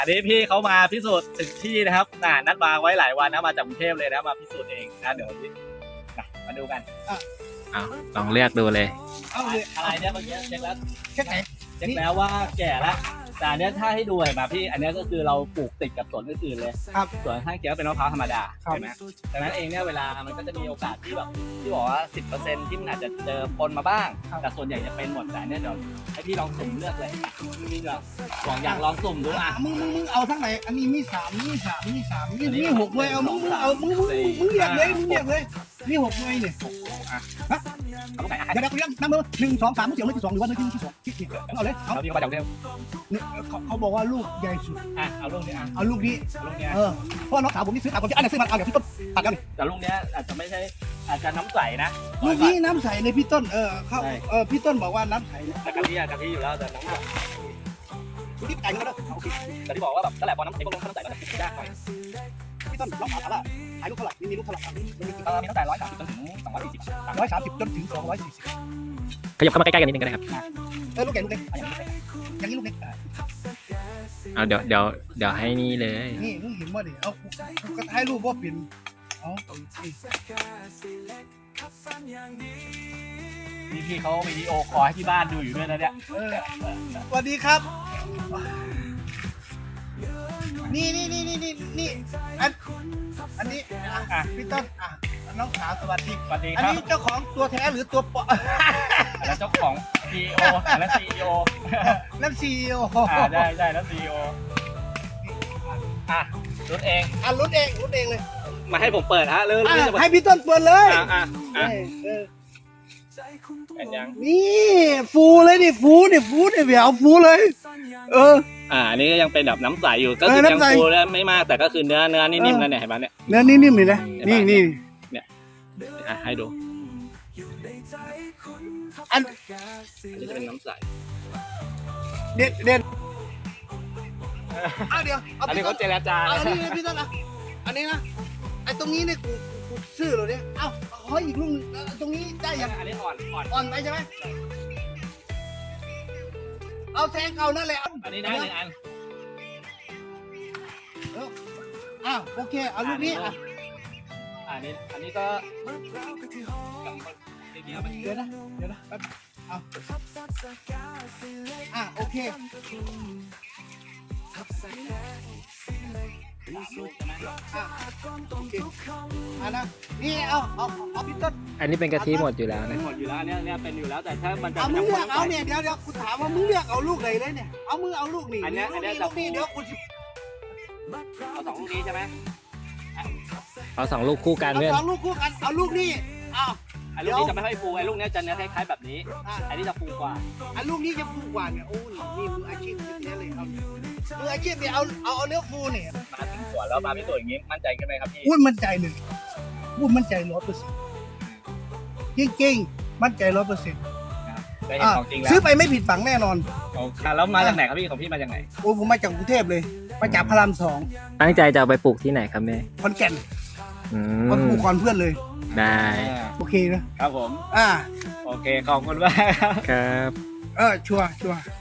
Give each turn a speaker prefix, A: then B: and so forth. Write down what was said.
A: อันนี้พี่เขามาพิสูจน์ถึงที่นะครับนัดมาไว้หลายวันนะมาจากกรุงเทพเลยนะมาพิสูจน์เองนะเดี๋ยวมาดูกัน
B: เอาลองเลือกดูเลย
C: เอาเลย
A: อะไรเนี่ยเมื่อกี้เช็คแล้ว
C: แค่ไหน
A: เช็คแล้วว่าแก่แล้วแต่อันเนี้ยถ้าให้ดูเห็นไหมพี่อันเนี้ยก็คือเราปลูกติดกับสวนอื่นๆเลย
C: ครับ
A: สวนข้างเคียงเป็นมะพร้าวธรรมดา
C: ครับ
A: ใช่ไหมดังนั้นเองเนี่ยเวลามันก็จะมีโอกาสที่แบบที่บอกว่า 10%ที่มันอาจจะเจอปนมาบ้าง แต่ส่วนใหญ่จะเป็นหมดแต่อันเนี้ยเดี๋ยวให้พี่ลองสุ่มเลือกเลยพี่แบบอยากลองสุ่มดูอ่ะ
C: มึงเอาทั้งไหนอันนี้มีสามมีหกเลยเอามึงเรียกเลยมีหกเลยเนี่ย
A: เอาลูกไหนอ่ะ
C: เดี๋ยวเรียกนับมือ1 2 3มึงเสียงเลขที่ 2หรือว่าเลขที่ 2คิดเอาเลยเอา
A: แล้วพี่ก็มาจากกรุงเทพ
C: เขาบอกว่าลูกใหญ่สุด
A: อ่ะเอาลูกนี้อ่ะ
C: เอาลูกนี้
A: เอาลูกเนี้ย
C: เพราะน้องสาวผมนี่ซื้อตามผมที่อันนี้ซื้อมาเอาเดี๋ยวพี่ต้นตัดแล้วนี่
A: แต่ลูกเนี้ยอาจจะไม่ใช่อาจจะน้ำใสนะ
C: ลูกนี้น้ำใสในพี่ต้นเขาพี่ต้นบอกว่าน้ำใส
A: แต่กะทิอะกะทิอยู่แล้วแต่น้ำใส
C: คุณที่ไก่กันแล้ว
A: แต่ที่บอกว่าแบบนั่นแหละพอน้ำใสก็ลงน้ำใสมันจะยากหน่อย
C: พี่ต้นลองถามว่าขายลูกเท่าไหร่มีลูกเท่าไหร่มี
A: มีตั้งแต่130จนถึง240
C: 130จนถึง240
B: ขยับเข้ามาใกล้ๆกันนิดนึงก็ได้ครับ
C: ลูกใหญ่ลูกเล็กอย่างนี้ลูกเล็ก
B: เอาเดี๋ยวให้นี่เลย
C: นี่มึงเห็นว่าดิเอาก็ให้รูปว่าเป็นเอา
A: นี่พี่เขาวิดีโอคอลให้ที่บ้านดูอยู่ด้วยนะเนี่ย
C: สวัสดีครับ นี่อันนี้พี่ต้นน้องสาวสวัสดี
A: สวัสดี
C: อัน
A: ครับ
C: นี้เจ้าของตัวแท้หรือตัวปลอม
A: แล้วเจ้าของ CEO และ CEO
C: นั่นซีโอ
A: ได้แล้ว CEO รุ่นเอง
C: รุ่นเองเลย
A: มาให้ผมเปิดฮะเริ่มจะ
C: ให้พี่ต้นเปิดเลย
A: เป็นยัง
C: นี่ฟูเลยดิฟูเนี่ยเดี๋ยวฟูเลย
A: อันนี้ก็ยังเป็นแบบน้ำใสอยู่ก็คือยังฟูแล้วไม่มากแต่ก็คือเนื้อนิ่มๆนั่นเนี่ยเห็นไหมเนี่ย
C: เนื้อนิ่มๆเลยนะนี่
A: ให้ดู
C: อัน
A: นี้จะเป็นน้ำใส
C: เด่นเดี๋ยว
A: อันนี้เขาเจรจา
C: อันนี้พี่ต้นอันนี้นะไอ้ตรงนี้เนี่ยกูซื้อเหรอเนี่ยขออีกลูกตรงนี้ได้ยัง
A: อันนี้อ่อน
C: อ่อนไปใช่ไหมเอาแทงเก่านั่นแหละ
A: อันนี้ได้1 อัน
C: โอเคเอาลูกนี้
A: อันนี้ก็
C: เดี๋ยวนะแป๊บโอเคนะนี่เอาพี่ต้น
B: อันนี้เป็นกะทิหมดอยู่แล้วนะ
A: หมดอยู่แล้วเนี่ยเป็นอยู่แล้วแต่ถ้ามันจะ
C: มึงเลือกเอาเนี่ยเดี๋ยวกูถามว่ามึงเลือกเอาลูกไหนเลยเนี่ยเอามึงเอาลูกนี่ลูกนี้เดี๋ยวกูจะ
A: เอา2 ลูกนี้ใช่ไหม
B: เอา2 ลูกคู่กัน
C: เอา
B: เพื่อน
C: 2 ลูกคู่กันเอาลูกนี่
A: ไอ้ลูกนี้จะไม่ค่อยฟูไอ้ลูกนี้จะเนื้อคล้ายๆแบบนี้อันนี้จะฟูกว่า
C: ลูกนี้จะฟูกว่าเนี่ยโอ้นี่มืออาชีพแท้เลยครับมืออาชีพเนี่ยเอาเนื้อฟูเนี่ย
A: มาถึงสวนแล้วมาพิสูจน์อย่างนี้มั่นใจกันไหมครับพี่
C: พูดมั่นใจเลยพูดมั่นใจ100%จริงๆมั่นใจ100%
A: ได้เห็นของจริงแล้ว
C: ซื้อไปไม่ผิดฝังแน่นอน
A: แล้วมาจากไหนครับพี่ของพี่มาจากไหน
C: โอ้ผมมาจากกรุงเทพเลยมาจากพระราม
B: ตั้งใจจะเอาไปปลูกที่ไหนครับแม่
C: 2ขอนแก่น
B: อื
C: มาปลู
B: ม
C: กก่อนเพื่อนเลย
B: ได้
C: โอเคนะครับ
A: ผม
C: อ่า
A: โอเคขอบคุณมากครับ
B: ครับ
C: ชัวร์